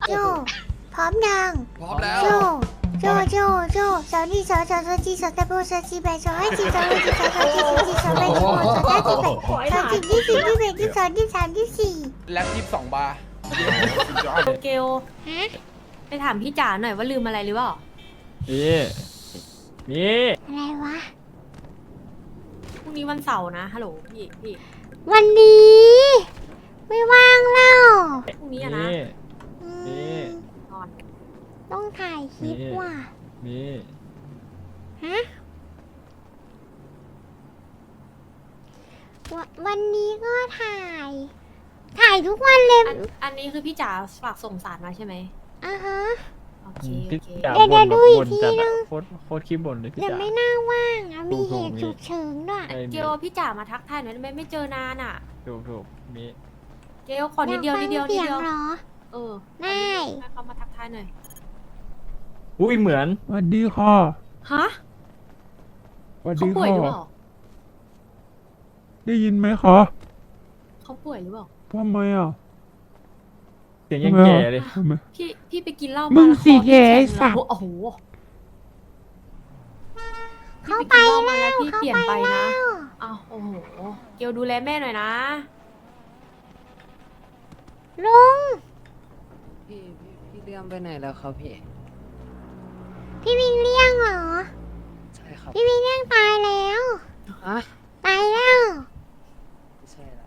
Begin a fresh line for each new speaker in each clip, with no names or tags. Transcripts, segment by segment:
โจพร้อมยัง
พร้อมแล้ว
โจโจสาวนี่สาวจีสาวตะโบสาวจีแบสาวให้จีสาวให้จีสาวจีสาวแบสาวสาวจีแบสาวจีที่สี่ที่แบที่สองที่สามที่สี่
แล็บ22 บาร์
เกล
ฮะ
ไปถามพี่จ๋าหน่อยว่าลืมอะไรหรือเปล่า
นี่
อะไรวะ
พรุ่งนี้วันเสาร์นะฮัลโหลพี่
วันนี้ไม่ว่างแล้ว
พรุ่งนี้อะนะ
อื
นี่
ม
นอน
ต้องถ่ายคลิปว่ะ
นี่
ฮะวันนี้ก็ถ่ายทุกวันเลย
อันนี้คือพี่จ๋าฝากส่งสารมาใช่ไหม
อ่ะฮะ
โอเค
พี่
โอเค
จ๋า
เดี๋ยว
บ่น
ดู
แบบ
อีก
บ่น
ที
จัด
นึ
อะ
ง
โคตรขี้บ่นเลยพี่
แต่
จ๋า
ไม่น่าว่างอะมีเหตุ
ถู
ฉุ
ก
กเฉินด้วย
ไอ้
เกลพี่จ๋ามาทักทายหน่อยได้ไหมไม่เจอนานอ่ะ
ถูกมี
เกลขอนิดเดียว
อาก
นิ
ฟั
ด
ง
เดียวนิ
เสี
ด
ยง
เดียว
เหรอ
เออ
ได้
ให้เขามาทักทายหน่อย
อุ้ยเหมือนสวัสดีค่ะ
ฮะ
สวัส
เขา
ดี
ป่วย
ค่ะ
หรือเปล่า
ได้ยินไหมคะ
เขาป่วยหรือเปล่า
ทำไมอ่ะเสียงยังแก่เลย
พี่ไปกินเหล้า
มึ
มาง แล้ว
สิ
คอพี่
แกไอ้
ข็ง
สัตว์
โอ้โห
เขา
พี่
ไป
กินเหล้ามา
แล้
แล้ว
ว
พี่
เขา
เปลี่ยน
ไป
ไป
แล้
นะ
ว
อ้าวโอ้โหเกลดูแลแม่หน่อยนะ
ลุง
พี่เลื่อมไปไหนแล้วครับพี่
พี่วิงเลี่ยงเหรอ
ใช่ครับ
พี่วิงเลี่ยงตายแล้ว
ฮะ
ตายแล้ว
ไม่ใช่ละ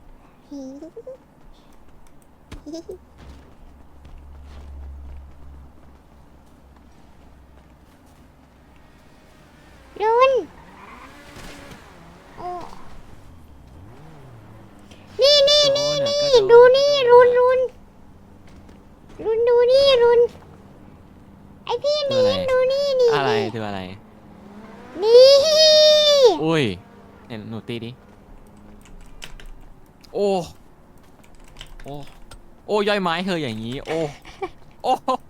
รุนโอ้นี่ดูนี่รุนดูนี่รุนไอพี่นี่ดูนี่นี่
อะไรคืออะไร
นี่
อุ้ยเนี่ยหนูตีดิ โอ้ โอ้ โอ้ย่อยไม้เธออย่างนี้ โอ้ โอ้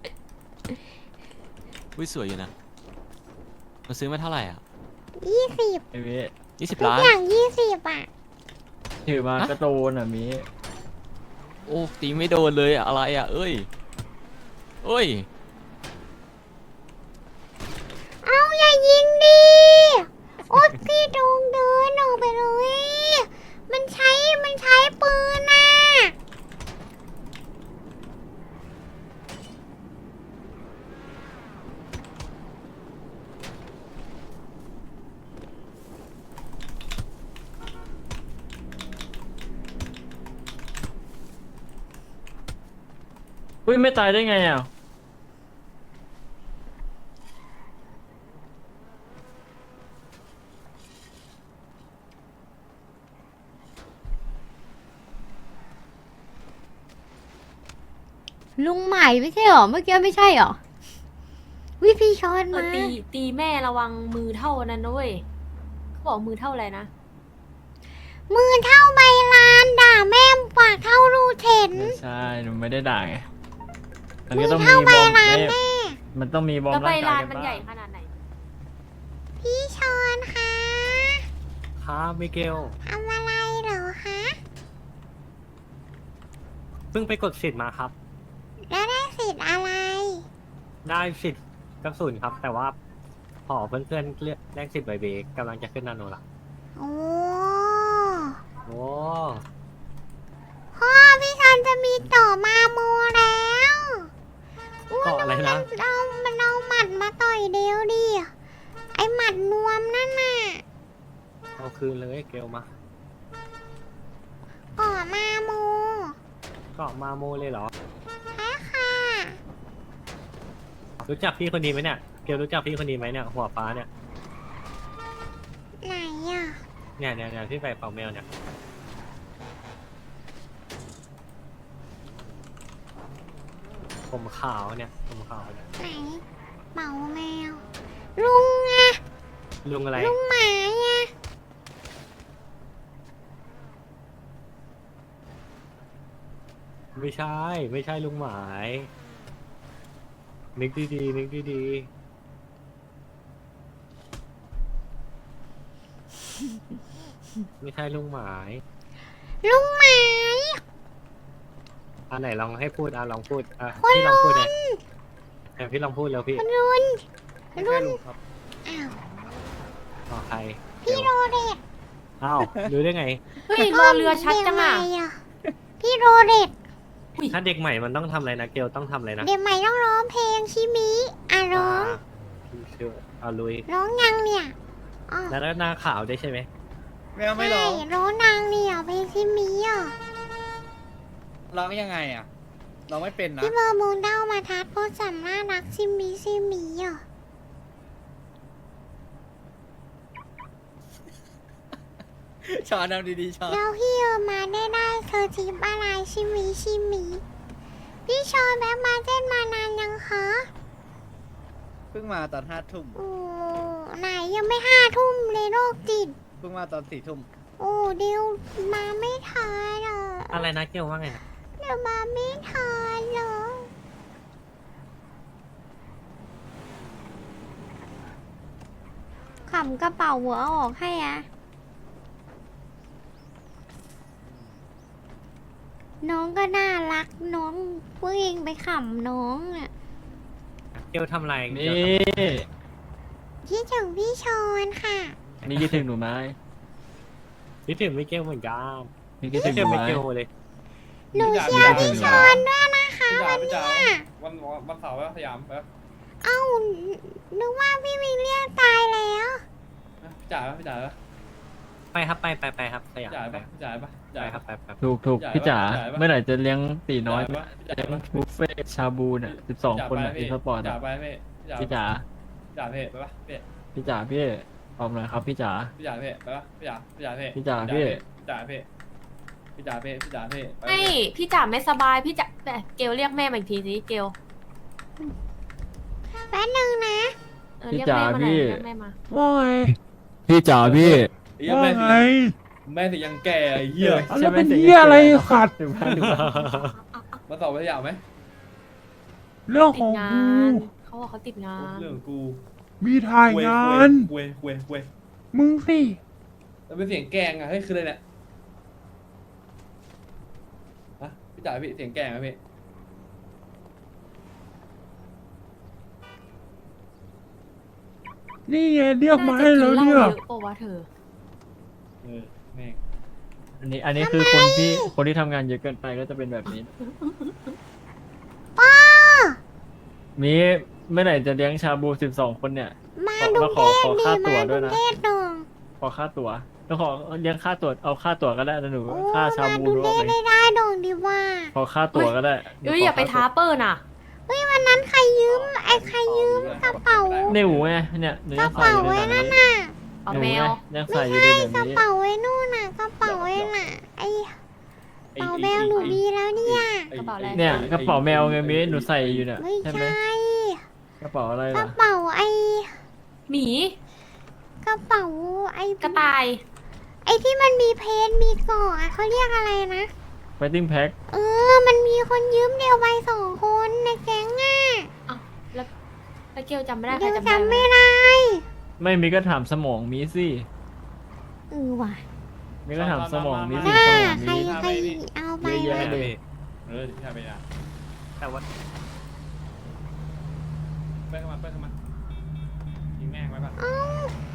อุ้ยสวยอยู่นะเราซื้อมาเท่าไหร่อ่ะ
20
ไอ้เว้
ทุก
20 ล้าน
อย่าง20อ่ะ
ถือมากระโดนอ่ะมี
โอ้ตีไม่โดนเลยอะอะไรอ่ะ เอ้ย เอ้ย
เอาอย่ายิงดิโอ๊ยพี่ดงเดินออกไปเลย มันใช้ปืนน่ะ
อุ้ยไม่ตายได้ไงอ่ะ
ลุงใหม่ไม่ใช่หรอ เมื่อกี้ไม่ใช่หรอ
วิพี่ชอน
เออ
มา
ตีแม่ระวังมือเท่านั้นนะเว้ยเขาบอกมือเท่าอะไรนะ
มือเท่าใบลานด่าแม่ปากเท่ารูเข็น
ไม่ใช่หนูไม่ได้ด่าไงมัน
มื
ก็
อ
ต้องมี
เท่า
บ
ใบ
อม
ลาน
ไม่
แม่
มันต้องมีบอม
แล้วใบ
ร่างกา
ลาย น
กัน
มัน
บ้า
ใหญ่
ง
ขนาดไหน
พี่ชอนคะ
ครับมิเกล
ทำอะไรเหรอคะ
เพิ่งไปกดสิทธิ์มาครับ
แล้วได้สิทธิ์อะไร
ได้สิทธิ์กระสุนครับ แต่ว่าขอเพื่อนๆเลือกแลกสิทธิ์ใบเบรกกำลังจะขึ้นนาโนละ
โอ้
โอ้
พ่อพี่ชอนจะมีต่อมาโมแล้วอุ๊ย
เกาะอะไรนะ
มันเอาหมัดมาต่อยเดียวดิ ไอหมัดนวมนั่นน่ะ
เอาคืนเลยเกลมา
ก่อมาโม
เกาะมาโมเลยเหรอ
ใช่ค่ะ
รู้จักพี่คนนี้ไหมเนี่ย เกลรู้จักพี่คนนี้ไหมเนี่ย หัวฟ้าเนี่ย
ไหนอ่ะ
เนี่ยที่ใส่เป่าแมวเนี่ย ผมขาวเนี่ย ผมขาวเนี่ย
ไหนเป่าแมว ลุงไง
ลุงอะไร
ลุงหมาไง
ไม่ใช่ ไม่ใช่ลุงหมาย นึกดีๆนึกดีๆ ไม่ใช่ลุงหมาย
ลุงหมาย
ไอันไหนลองให้พูดลองพูดพี่ลองพูดเลยพี่ลองพูดแล้วพี่
คุณรุน
ไม่ใช่ลุงครับ
อ้าว
ต่อใคร
พี่โรเดต
อ้าวรู้ได้ไง
เฮ้ยรอเรือชัดจังอ่ะ
เด็กใหม่พี่โรเดต
ถ้าเด็กใหม่มันต้องทำอะไรนะเกลต้องทำอะไรนะ
เด็กใหม่ต้องร้องเพลงชิมิร้อง
พี่เชื่อเอาลุย
ร้องยังเนี่ยอ๋อ
แล้วก็หน้าขาวได้วยใช่ไหม
ไม่เอาไม่ร้อง
ใช่ร้องนางเนี่ยเพลงชิมิ
ร้องยังไงอ่ะร้องไม่เป็นนะ
พี่เบอร์มูนเด้ามาทัดโพสสัมน่ารักชิมิอ่ะ
ชอนเอาดีๆชอน
แล้วพี่มาได้เธอจีบอะไรชิมิพี่ชอนแบบมาเต้นมานานยังคะ
เพิ่งมาตอน5 ทุ่ม
โอ้ไหนยังไม่5 ทุ่มเลยโรคจิต
เพิ่งมาตอน4 ทุ่ม
โอ้เดี๋ยวมาไม่ทันอ่ะ
อะไรนะเกลว่าไงนะ
เดี๋ยวมาไม่ทันเหรอขำกระเป๋าหัวออกให้อ่ะน้องก็น่ารักน้องพวกเองไปขำน้องอ่ะ
เกลทำอะไร
นี่
คิดถึงพี่ชอนค่ะ
นี่คิดถึงหนูไหม
คิดถึงไม่เกลเหมือนกัน
นี่คิดถึ
ไม่
งห
เกล
นูไหม
ไม่เกลเลย
หนูเชียร์พี่ชอนด้วยนะคะ
พี่จ๋า
วัน
พี่
เนี้
จ๋าย วันเสาร์ไปสยามไป
เอ้านึกว่าพี่วิลเลียมตายแล้ว
พี่จ๋าพี่จ๋า
ไปครับไปครับสยาม
พี่จ๋า
ไป
ปะพี่จ๋าปะ
ไปครับไป
ถูกพี่จ๋า
จ่ายปะ
เมื่อไหร่จะเลี้ยงตีน้อย
พี่จ๋า
เลี้ยง
ปะ
บุฟเฟ่ต์ชาบูเนี่ย12 คนอ่ะอีสปอร์ต
พี่จ๋า
อ่ะ
ไปพี่
พี่จ๋า
พี่จ๋าพี่ไปปะพี่
พี่จ๋าพี่ตอบหน่อยครับพี่จ๋า
พี่จ๋าพี่ไปปะพี่จ๋าพี่จ๋าพี่
พี่จ๋าพี่
พี่จ๋าพี่พี่จ๋าพี่พี่จ๋าพี่
ไม่พี่จ๋าไม่สบายพี่จ๋าแต่เกลเรียกแม่มาอีกทีสิเกล
แป๊บนึงนะ
เรียกแม่มาหน่อยเรียกแม่มา
ว่าไงพี่จ๋าพี่
ว่าไงแม่สิยังแก่เหี้ย
แล้วเป็นเหี้ยอะไรขัดถึงพัน
มาสอบไปสยามไหม
เรื่อง
ติ
ข
ด
อง
งา
กู
นเขาบอกเขาติดงาน
เรื่องกู
มีถ่ายงาน
เว้ย
มึงสิ
แล้วเป็นเสียงแกงอ่ะเฮ้ยคืออะไรเนี่ยฮะพี่จ๋าพี่เสียงแกงอ่ะพี่
นี่ไงเรียกมาให้แล้วเนี่ย
น่าจะกินเหล้าเยอะปะวะเธอ
แม่ง
อันนี้คือคนที่ทำงานเยอะเกินไปก็จะเป็นแบบนี้
ป้า
มีเมื่อไหร่จะเลี้ยงชาบู12 คนเนี่ย
มา
ขอ
ดู
ขอ
เทศ
ขอ
ดี
ค่าตั๋ว
มา
ด้
ดู
วยนะ
เทศหนึ่ง
ขอค่าตั๋วแล้วขอเลี้ยงค่าตั๋วเอาค่าตั๋วก็ได้นะหนู
โอ้
ค่าชา
มา
บู
ดู
รู้
เทศ
ไหม
ได้ดงดีว่า
ขอค่าตั๋วก็ได้
เอ้ยอย่าไปท้าเปิ้ลน่ะ
เฮ้ยวันนั้นใครยืมใครยืมกระเป๋า
ในหูไงเนี่ยหนู
ก
ยั
ระ
งใส่
เป๋า
อยู่
ไว้
ในแบ
นั่
บ
น
นี้
น่ะ
เอา
หนู
แมว
ยังใส่อยู่ในแบบ
กระ
นี้
เป๋าไว้นู่นน่ะกระเป๋าไว้น่ะไอ้กระเป๋าแมวหนูดีแล้วเนี่ย
กระเป๋าอะไร
เนี่ยกระเป๋าแมวไงมีหนูใส่อยู่เนี่ย
ไม่
ใช่ไหม
ใช่
กระเป๋าอะไร
กระ
ล่ะ
เป๋า
หมี
กระเป๋าไอ้
กระต่าย
ไอ้ที่มันมีเพนมีเกาะอะเขาเรียกอะไรนะ
ไฟติ้งแพ็ค
มันมีคนยืมเดียวไป2 คนในแก๊งอ่ะ
แล้วเกลจำไม่ได้ใคร
เดี๋ยว
จำได้
จำ
ไหม
ไม่ได้
ไม่มีก็ถามสมองมีสิ
ว่ะ
มีก็ถามสมองมีสิ
น่า
สมอง
ใคร
มี
ใครเอาไป
เยอะแยะ
วะ
เลย
พี่จ๋าไปนะ
แต่ว่า
ไปเข้ามายิงแม่งไปปะ
เอ้า